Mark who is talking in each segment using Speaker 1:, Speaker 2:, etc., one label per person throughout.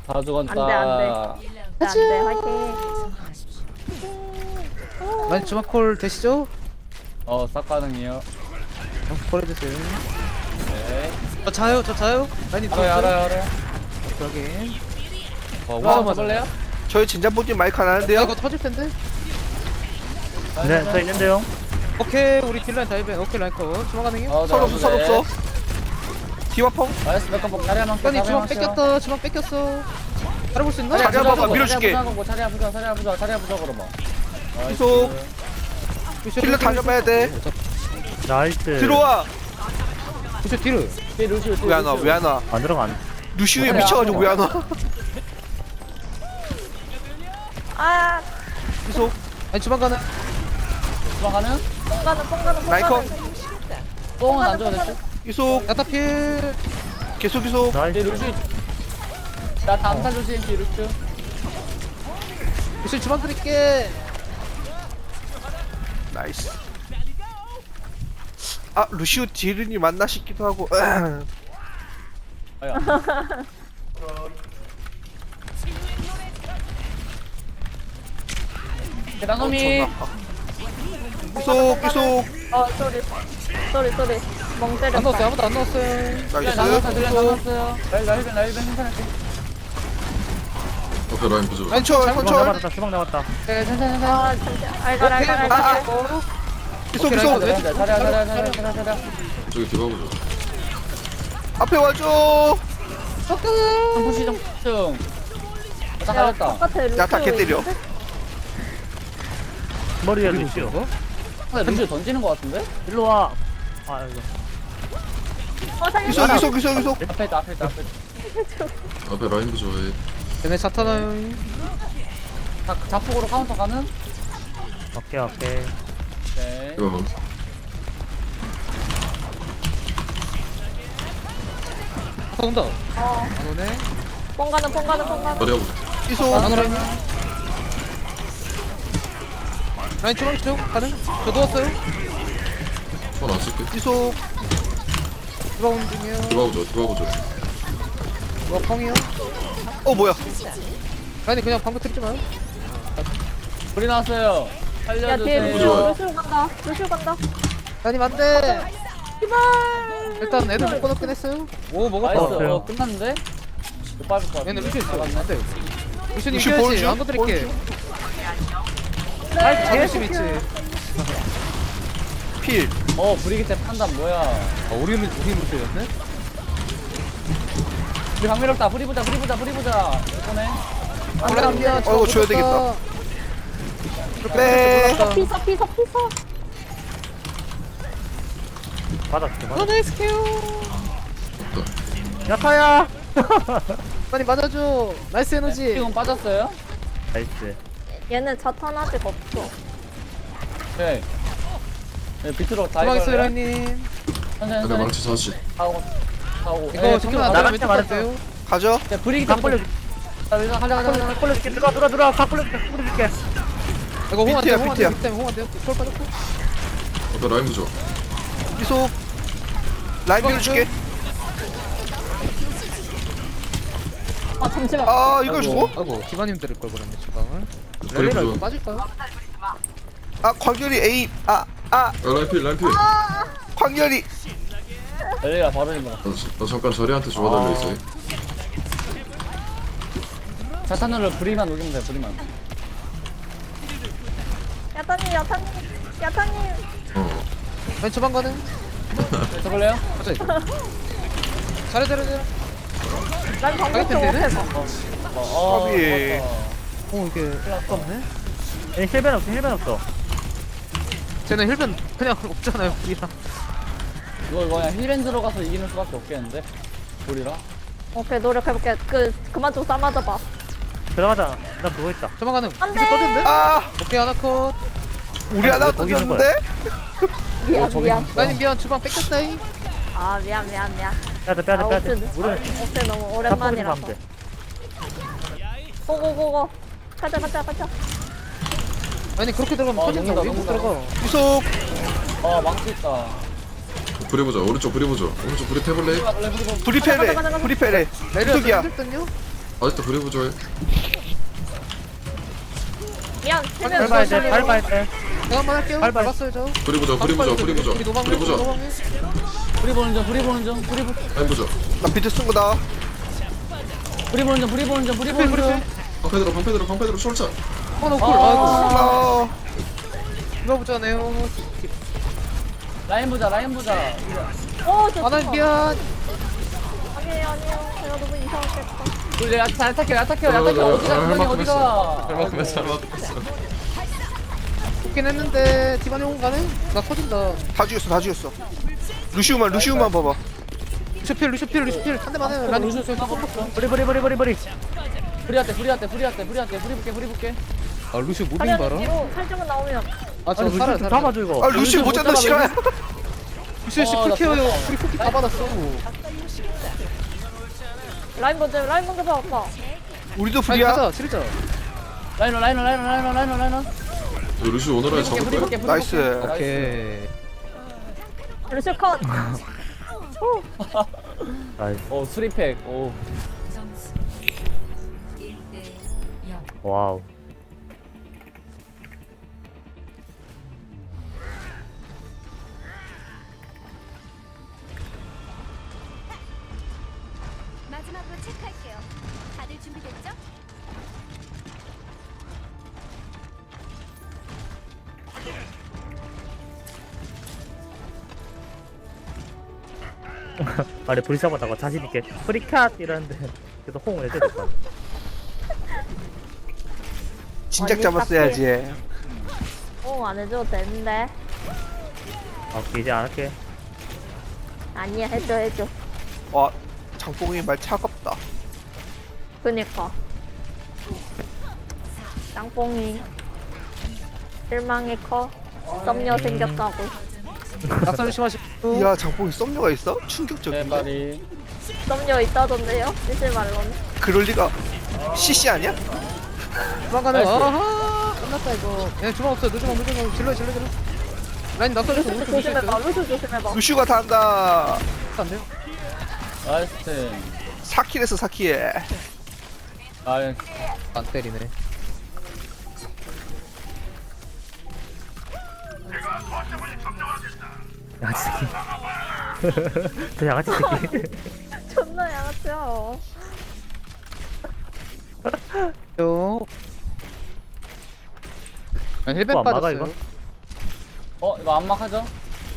Speaker 1: 다 죽었다.
Speaker 2: 안돼 화이팅.
Speaker 3: 많이 주마콜 되시죠?
Speaker 1: 싹 가능이요.
Speaker 3: 콜 해주세요.
Speaker 1: 네.
Speaker 3: 저 자요, 저 자요. 많이
Speaker 1: 알아요.
Speaker 3: 여기.
Speaker 1: 우와, 잡을래요?
Speaker 4: 저희 진짠보님 마이크 안 하는데요?
Speaker 3: 이거 터질 텐데.
Speaker 5: 네, 저 있는데요.
Speaker 3: 오케이, 우리 딜라인 다이벤. 오케이, 라인 컷. 주마 가능해?
Speaker 4: 선 없어, 선 없어. 디와펑?
Speaker 1: 나이스, 백컴복 자리 한번
Speaker 3: 아니, 주마 뺏겼다. 주마 뺏겼어. 알아볼 수 있나?
Speaker 4: 자리 한번 밀어줄게.
Speaker 1: 자리 아프자, 그러면.
Speaker 4: 계속. 힐러 다녀봐야 돼.
Speaker 5: 나이스.
Speaker 4: 들어와.
Speaker 3: 부셔 뒤로.
Speaker 4: 왜 안 와, 왜 안 와.
Speaker 5: 안 들어간.
Speaker 4: 루시우에 미쳐가지고 왜 안 와.
Speaker 2: 아
Speaker 4: 계속.
Speaker 3: 아니, 주마 가능.
Speaker 1: 가는?
Speaker 2: 뽕가는
Speaker 4: 라이컨.
Speaker 1: 뽕은 안 줘도 됐지?
Speaker 4: 계속.
Speaker 3: 야타필.
Speaker 4: 계속.
Speaker 5: 나이스.
Speaker 1: 루시. 나 다음 살 루시, 루시.
Speaker 3: 부셔 주마 드릴게.
Speaker 4: 나이스. 아, 루시우 디르니 맞나 싶기도 하고.
Speaker 1: 아야. 대단놈이.
Speaker 4: 계속, 계속.
Speaker 2: 쏘리 멍
Speaker 3: 안
Speaker 2: 때렸다.
Speaker 3: 넣었어요. 아무도 안 넣었어요.
Speaker 4: 나이스.
Speaker 1: 나왔어요. 라이벤 괜찮을게.
Speaker 6: 앞에 라인 보죠.
Speaker 4: 라인 쳐,
Speaker 5: 주방
Speaker 4: 쳐.
Speaker 5: 나왔다. 주방 나왔다.
Speaker 1: 네, 괜찮아.
Speaker 2: 아 진짜 알갈.
Speaker 4: 계속,
Speaker 3: 오케이,
Speaker 4: 계속.
Speaker 3: 라이컨.
Speaker 1: 자리야.
Speaker 6: 저기 디바 보죠.
Speaker 4: 앞에 와줘.
Speaker 1: 정부시 좀. 나 갈렸다.
Speaker 2: 똑같아.
Speaker 4: 야, 다 개 때려.
Speaker 5: 머리에 루시오.
Speaker 1: 근데 루시 던지는 거 같은데?
Speaker 5: 일로 와. 아, 이거.
Speaker 4: 계속.
Speaker 1: 앞에 있다.
Speaker 6: 앞에 라인 보죠. 예.
Speaker 3: 얘네 자타나요.
Speaker 1: 자폭으로 카운터 가는?
Speaker 5: 오케이.
Speaker 1: 네.
Speaker 6: 디바 방.
Speaker 3: 온다. 안 오네.
Speaker 2: 뽕가는.
Speaker 6: 머리 하고.
Speaker 4: 계속.
Speaker 3: 안 오라니. 라인 주방 쪽 가능? 저 누웠어요.
Speaker 6: 손안 쓸게.
Speaker 4: 계속.
Speaker 3: 주방 온 중이요.
Speaker 6: 디바 보죠.
Speaker 3: 뭐 펑이요?
Speaker 4: 뭐야.
Speaker 3: 아니 그냥 방금 틀지 마요.
Speaker 1: 불이 나왔어요.
Speaker 2: 야 뒤에
Speaker 1: 살려주세요.
Speaker 2: 루시오 간다.
Speaker 3: 아니 안돼.
Speaker 2: 제발.
Speaker 3: 일단 애들 못 꺼놓긴 했어요. 오
Speaker 1: 나이스.
Speaker 3: 먹었다.
Speaker 1: 끝났는데? 못 밟을 것 같아.
Speaker 3: 얘네 루시 있어. 안돼. 루시는
Speaker 4: 루시
Speaker 3: 이겨야지.
Speaker 4: 보여줘.
Speaker 3: 안 건드릴게.
Speaker 2: 네.
Speaker 3: 자존심 있지.
Speaker 4: 필.
Speaker 1: 브리기테 판단 뭐야?
Speaker 3: 우리 루시였네.
Speaker 1: 우리 강미롭다. 브리 보자. 이번에.
Speaker 3: 미안.
Speaker 4: 이거 줘야 되겠다. 네.
Speaker 2: 피서.
Speaker 5: 받았어.
Speaker 3: 나이스 케어.
Speaker 5: 야타야.
Speaker 3: 빨리 맞아줘. 나이스 에너지.
Speaker 1: 지금 빠졌어요?
Speaker 5: 나이스.
Speaker 2: 얘는 자탄 아직 없어.
Speaker 1: 네. 네, 비트로 다
Speaker 3: 주방 있어요
Speaker 1: 이걸로요?
Speaker 3: 라인님.
Speaker 1: 천천히.
Speaker 6: 근데 망치 40.
Speaker 1: 하고.
Speaker 3: 이거 정면 안
Speaker 5: 나갈
Speaker 3: 되면
Speaker 5: 때
Speaker 3: 왼쪽
Speaker 5: 말했어.
Speaker 3: 갈게요.
Speaker 4: 가죠.
Speaker 1: 네, 브리기테
Speaker 5: 각 벌려.
Speaker 1: 가자.
Speaker 5: 꼴려줄게. 들어와. 각 꼴려줄게.
Speaker 3: 이거 홍안 돼.
Speaker 4: 비트야,
Speaker 3: 홍안
Speaker 4: 비트야.
Speaker 3: 돼. 때문에 홍안 돼요. 쫄 빠졌고.
Speaker 6: 앞에 라인 보죠.
Speaker 4: 계속. 라인 밀어줄게.
Speaker 2: 아 잠시만.
Speaker 4: 아, 이걸 주고?
Speaker 3: 아이고 기관님 들을 걸 그랬네 주방을.
Speaker 6: 그래,
Speaker 3: 렐레가 이거
Speaker 6: 그죠.
Speaker 3: 빠질까요?
Speaker 4: 아, 광렬이 A.
Speaker 6: 라인 필.
Speaker 4: 광렬이.
Speaker 1: 엘리가 바로 있는
Speaker 6: 나 잠깐 저리한테 주워달려 있어.
Speaker 1: 자탄으로 브리만 녹이면 돼. 브리만.
Speaker 2: 야타님.
Speaker 6: 어.
Speaker 3: 아니 주방 가는.
Speaker 1: 저걸래요?
Speaker 3: 가자 이거. 잘해.
Speaker 2: 난 방금 좀
Speaker 3: 되네?
Speaker 2: 못해서.
Speaker 4: 까비.
Speaker 3: 오 이게 아깝네.
Speaker 5: 얘 힐벤 없어.
Speaker 3: 쟤는 힐변 그냥 없잖아요 우리랑.
Speaker 1: 이거 그냥 힐앤 들어가서 이기는 수밖에 없겠는데? 우리라?
Speaker 2: 오케이 노력해볼게. 그만 좀 싸맞아봐.
Speaker 5: 들어가자. 나 그거 있다.
Speaker 3: 주방 가는.
Speaker 2: 안 돼.
Speaker 3: 이제 떠졌네.
Speaker 4: 아,
Speaker 3: 오케이 하나 컷.
Speaker 4: 우리 하나
Speaker 5: 거기 있는
Speaker 4: 던졌는데?
Speaker 2: 미안.
Speaker 3: 라인님 미안 주방 뺏겼다이.
Speaker 2: 아 미안.
Speaker 5: 빼야 돼. 우리
Speaker 2: 옥새 너무
Speaker 5: 다
Speaker 2: 오랜만이라서.
Speaker 5: 하면 돼.
Speaker 2: 고고고고. 가자.
Speaker 3: 아니 그렇게 들어가면 터진다. 왜 못
Speaker 1: 녹는다.
Speaker 3: 들어가?
Speaker 4: 계속.
Speaker 1: 망치 있다.
Speaker 6: 브리 보죠. 오른쪽 브리 보죠. 오른쪽 브리 태블레.
Speaker 4: 브리페레.
Speaker 3: 내려
Speaker 4: 계속이야.
Speaker 3: 힘들던요?
Speaker 6: 아직도 브리 부조해.
Speaker 2: 미안. 헬멧
Speaker 5: 밟아야 돼 밟아야 돼.
Speaker 3: 제가 한번 할게요.
Speaker 5: 밟아요.
Speaker 3: 밟았어요 저.
Speaker 6: 브리 부조 브리 부조 브리 부조
Speaker 3: 우리 노방해.
Speaker 6: 브리 부조
Speaker 3: 노방해.
Speaker 1: 불이 보는 중, 불이 보는 중,
Speaker 6: 라인 부조.
Speaker 4: 나 비트 쓴 거다.
Speaker 1: 불이 보는 중, 불이 보는 중, 불이 보는 중.
Speaker 6: 방패대로 숄차.
Speaker 3: 어, 쿨.
Speaker 4: 아,
Speaker 3: 이거 보자네요.
Speaker 1: 라인 보자, 라인 보자.
Speaker 2: 어, 저
Speaker 3: 아나 미안.
Speaker 2: 아니에요. 제가 너무 이상했겠다.
Speaker 1: 우리 잘 탈게요, 어디가, 분명히 어디가.
Speaker 6: 잘 맞았어.
Speaker 3: 좋긴 했는데 디바니 온 가네? 나 터진다.
Speaker 4: 다 죽였어. 루시우만 봐봐.
Speaker 3: 루시필 한 대만 해. 난
Speaker 1: 루시오 쏠까 뽑았어.
Speaker 5: 버리
Speaker 1: 불이 볼게.
Speaker 3: 아 루시 무빙
Speaker 2: 사냥
Speaker 3: 봐라.
Speaker 2: 뒤로 살짝만 나오면.
Speaker 3: 아저
Speaker 5: 아니
Speaker 3: 살아요.
Speaker 5: 루시 잡아줘 이거.
Speaker 4: 아, 루시우 못 잡나 싫어요.
Speaker 3: 루시
Speaker 1: 나
Speaker 3: 풀 케어요.
Speaker 1: 죽었다.
Speaker 3: 우리 쿠키 다 받았어.
Speaker 2: 라인 먼저 봐, 아빠.
Speaker 4: 우리도
Speaker 3: 아니
Speaker 4: 불이야.
Speaker 3: 가자 치르자.
Speaker 1: 라이너.
Speaker 6: 루시 오너라에 잡을 거야?
Speaker 4: 나이스.
Speaker 3: 오케이.
Speaker 2: 루시 컷.
Speaker 5: 아이
Speaker 1: 오, 수리팩. 오.
Speaker 5: 와우.
Speaker 7: 마지막으로 체크할게요. 다들 준비됐죠?
Speaker 5: 아래 불이 잡았다고 자신있게 프리캣 이러는데 그래도 호응을 해줘야 될거 같아.
Speaker 4: 진작
Speaker 2: 아니,
Speaker 4: 잡았어야지.
Speaker 2: 안 해줘도 되는데.
Speaker 5: 아 오케이 이제 안 할게.
Speaker 2: 아니야, 해줘.
Speaker 4: 와, 장뽕이 말 차갑다.
Speaker 2: 그니까. 짱뽕이. 실망의 커. 썸녀 생겼다고.
Speaker 3: 낙산 조심하시고.
Speaker 4: 이야, 장뽕이 썸녀가 있어? 충격적인데.
Speaker 1: 대발이.
Speaker 2: 썸녀 있다던데요? 쓰실 말로는.
Speaker 4: 그럴 리가. CC 아니야?
Speaker 3: 도망가네.
Speaker 1: 나이스.
Speaker 3: 아하. 끝났다 이거. 얘 주방 없어. 늦으면 질러. 라인 낙산 조심.
Speaker 2: 루시 조심해봐, 루시 조심해봐.
Speaker 4: 루시우가 다 한다.
Speaker 3: 안 돼요?
Speaker 1: 나이스 팀.
Speaker 4: 4킬에서 4킬.
Speaker 1: 나이스.
Speaker 3: 안 때리네.
Speaker 5: 양아치 새끼. 저 양아치 새끼.
Speaker 2: 존나 양아치야.
Speaker 3: 요. 힐백
Speaker 5: 안 막아,
Speaker 3: 빠졌어요.
Speaker 5: 이거?
Speaker 1: 이거 안막하죠?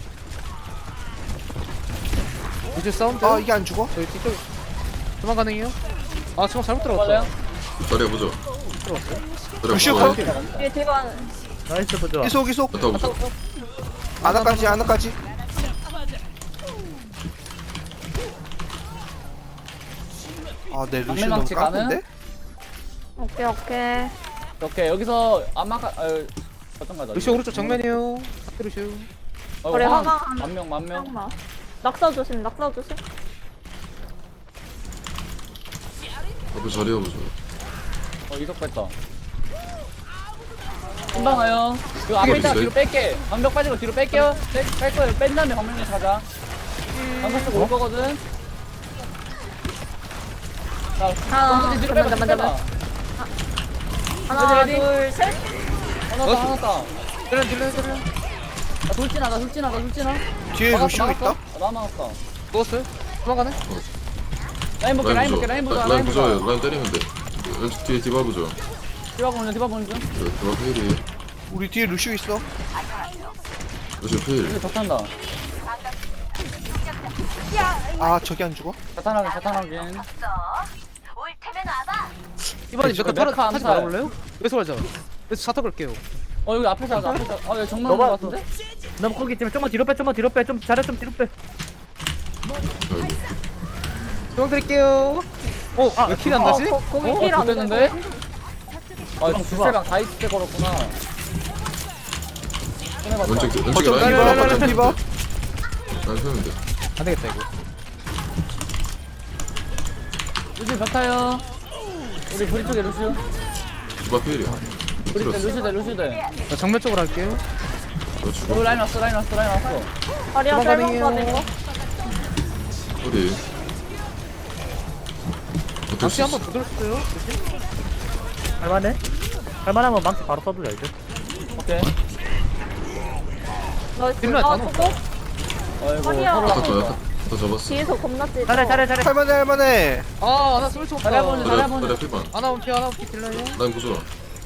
Speaker 3: 이제 사운드.
Speaker 4: 아, 이게 안 죽어?
Speaker 3: 저희 뒤쪽 도망 가능해요? 아 주방 잘못
Speaker 1: 맞아요?
Speaker 3: 들어갔다.
Speaker 6: 자리야 보죠.
Speaker 4: 루시우
Speaker 6: 자리야
Speaker 4: 컷.
Speaker 6: 보죠.
Speaker 2: 뒤에 뒤반.
Speaker 5: 나이스 보자.
Speaker 4: 이속.
Speaker 6: 갔다 보죠.
Speaker 4: 아나까지. 아, 내 루시우 너무
Speaker 1: 망치 가능?
Speaker 4: 깡패인데?
Speaker 2: 오케이.
Speaker 1: 오케이, 여기서 안막하, 어떤 가자.
Speaker 3: 루시 오른쪽 정면이에요. 루시.
Speaker 2: 우리 화강 하나.
Speaker 1: 만명.
Speaker 2: 잠깐만. 낙사 조심.
Speaker 6: 앞에 자리야 보죠.
Speaker 1: 이석 뺐다. 금방 와요. 이거 앞에 있다가 뒤로 뺄게. 방벽 빠지고 뒤로 뺄게요. 뺄 거예요. 뺀 다음에 방벽을 가자. 방벽 쓰고 올 거거든. 자,
Speaker 2: 하나,
Speaker 1: 뒤로 빼봐,
Speaker 2: 잠깐만,
Speaker 1: 뒤로 빼봐.
Speaker 2: 하나,
Speaker 1: 레디?
Speaker 2: 둘, 셋.
Speaker 1: 하나 더.
Speaker 3: 질러.
Speaker 1: 돌진하다.
Speaker 4: 뒤에 루시우 있다?
Speaker 1: 나 막았어.
Speaker 3: 누웠어요? 도망가네?
Speaker 1: 라인 볼게, 라인
Speaker 6: 라인
Speaker 1: 보자.
Speaker 6: 부조예요. 라인 때리면 돼. 왼쪽 뒤에 디바 부조.
Speaker 1: 디바 보는 중.
Speaker 6: 디바 페일이.
Speaker 4: 우리 뒤에 루시우 있어.
Speaker 6: 루시 페일.
Speaker 1: 이거 덕한다.
Speaker 4: 아, 저기 안 죽어?
Speaker 1: 자탄하긴.
Speaker 3: 이번에
Speaker 1: 저거
Speaker 3: 몇칸
Speaker 1: 메카
Speaker 3: 타지
Speaker 1: 암살.
Speaker 3: 말아볼래요? 여기서 가자. 여기서 자타 걸게요.
Speaker 1: 여기 앞에서 하자, 여기 정면
Speaker 5: 너가
Speaker 1: 온거 같은데?
Speaker 5: 너무 거기 있지만 좀만 뒤로 빼. 좀 잘해 좀 뒤로 빼.
Speaker 3: 도망 드릴게요. 왜 킬이 안 나지?
Speaker 2: 거기 힐 안
Speaker 1: 됐는데?
Speaker 2: 되는데?
Speaker 1: 주세랑 다 있을 때 걸었구나.
Speaker 6: 왼쪽에 라인.
Speaker 4: 디바,
Speaker 3: 라인.
Speaker 4: 버튼 디바.
Speaker 6: 라인 세면 돼.
Speaker 3: 안 되겠다 이거.
Speaker 1: 루시 벽타요. 우리 브리 쪽에 루시.
Speaker 6: 디바 페일이야.
Speaker 1: 브리 때
Speaker 6: 들었어.
Speaker 1: 루시 돼.
Speaker 3: 나 정면 쪽으로 할게요.
Speaker 6: 너 죽어.
Speaker 1: 여기 라인 왔어.
Speaker 2: 다리야
Speaker 3: 도망가네요.
Speaker 2: 셀방 받은 거?
Speaker 6: 어디? 버틸 수
Speaker 3: 망치 한번
Speaker 6: 있어.
Speaker 3: 부들었어요.
Speaker 5: 할만해? 할만하면 망치 바로 써도 돼 이제.
Speaker 1: 오케이.
Speaker 2: 나이스.
Speaker 3: 딜러
Speaker 2: 아,
Speaker 3: 다
Speaker 2: 저거?
Speaker 1: 어이구,
Speaker 2: 아니야.
Speaker 1: 서로
Speaker 6: 야타
Speaker 1: 하고
Speaker 6: 더
Speaker 1: 있어.
Speaker 6: 야타 잡았어.
Speaker 2: 뒤에서 겁나 찔.
Speaker 5: 잘해.
Speaker 4: 할만해 할만해.
Speaker 3: 아, 하나 쏠수 없다.
Speaker 1: 잘해 보는
Speaker 6: 그래
Speaker 1: 잘해보는.
Speaker 6: 그래 필반.
Speaker 3: 하나 온피 하나 온피 딜러요.
Speaker 6: 라인 부숴라.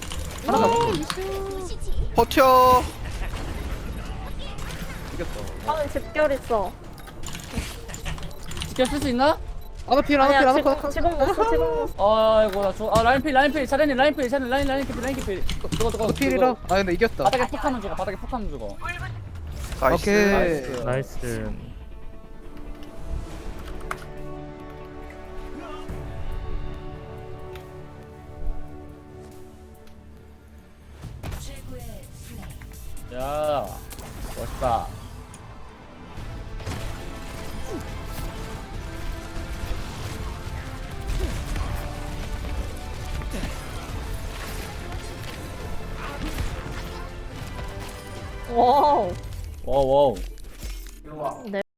Speaker 4: 버텨.
Speaker 2: 방금 집결 있어.
Speaker 1: 지켜 쓸 수 있나?
Speaker 3: 하나 필 하나 필
Speaker 2: 아니야,
Speaker 3: 하나
Speaker 2: 지금,
Speaker 3: 컷.
Speaker 2: 지금 넣었어, 지금 넣었어.
Speaker 1: 아이고 나 죽어. 아 라인필 차례니 라인필 라인필. 저거.
Speaker 3: 필이라. 아 근데 이겼다.
Speaker 1: 바닥에 푹하면 죽어. 바닥에 푹하면 죽어.
Speaker 4: 나이스.
Speaker 3: 오케이.
Speaker 5: 나이스.
Speaker 1: 야 멋있다.
Speaker 2: 와우.
Speaker 1: 와우.
Speaker 2: 네.